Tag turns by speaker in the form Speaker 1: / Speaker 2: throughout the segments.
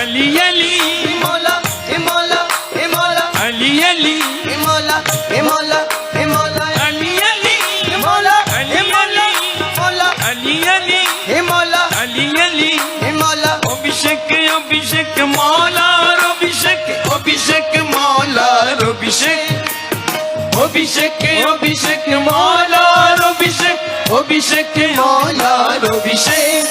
Speaker 1: अली अली
Speaker 2: मौला हे मौला हे मौला
Speaker 1: अली अली
Speaker 2: हे मौला हे मौला हे मौला
Speaker 1: अली अली
Speaker 2: हे मौला
Speaker 1: अली
Speaker 2: हे मौला मौला
Speaker 1: अली अली
Speaker 2: हे मौला
Speaker 1: अली अली
Speaker 2: हे मौला
Speaker 1: अभिषेक अभिषेक मौलार अभिषेक अभिषेक मौलार अभिषेक अभिषेक अभिषेक मौलार अभिषेक अभिषेक मौलार अभिषेक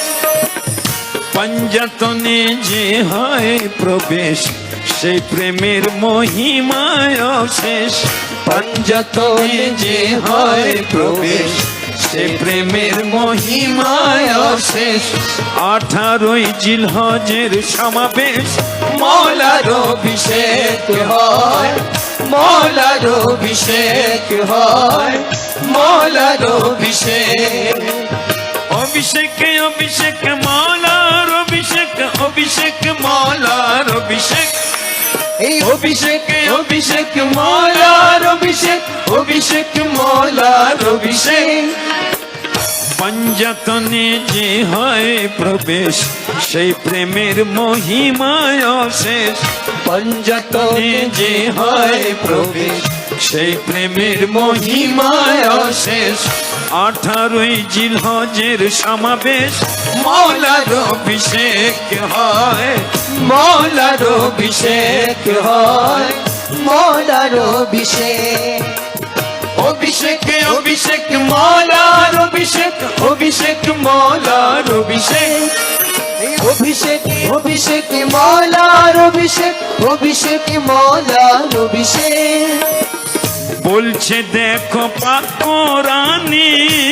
Speaker 1: पंजातने जे হয় প্রবেশ সেই প্রেমের মহিমায় অশেষ पंजातने যে হয় প্রবেশ সেই প্রেমের মহিমায় অশেষ 18ই জিলহজের সমাবেশ মওলার অভিষেক হয় মওলার অভিষেক হয় মওলার অভিষেক अभिषेक अभिषेक मौलार अभिषेक अभिषेक मौलार अभिषेक अभिषेक अभिषेक मौलार अभिषेक अभिषेक मौलार अभिषेक पंजातने जे হয় প্রবেশ সেই প্রেমের মহিমায় অশেষ पंजातने যে হয় প্রবেশ সেই প্রেমের মহিমায় অশেষ 18ই জিলহজের সমাবেশ মওলার অভিষেক হয় মওলার অভিষেক হয়
Speaker 2: मौलार अभिषेक
Speaker 1: अभिषेक अभिषेक मौलार अभिषेक अभिषेक मौलार अभिषेक
Speaker 2: अभिषेक अभिषेक मौलार अभिषेक अभिषेक मौलार अभिषेक
Speaker 1: বলছে দেখো পাক কোরআনে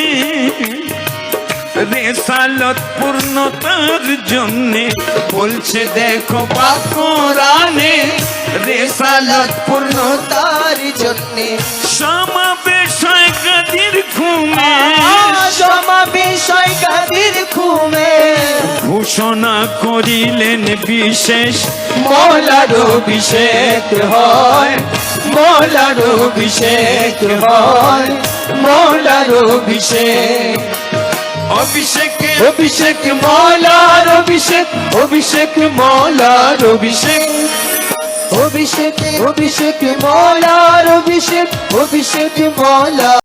Speaker 1: রেসালত পূর্ণতার জন্য বলছে দেখো পাক কোরআনে রেসালত
Speaker 2: পূর্ণতার জন্যে
Speaker 1: সমাবেশ হয় কাদির ঘুমে
Speaker 2: সমাবেশ হয় কাদির ঘুমে
Speaker 1: ঘোষণা করিলেন বিশেষ
Speaker 2: মওলার অভিষেক হয় মওলার অভিষেক হয় মওলার অভিষেক
Speaker 1: অভিষেক
Speaker 2: अभिषेक मौलार अभिषेक अभिषेक मौलार अभिषेक अभिषेक अभिषेक मौलार अभिषेक अभिषेक मौला।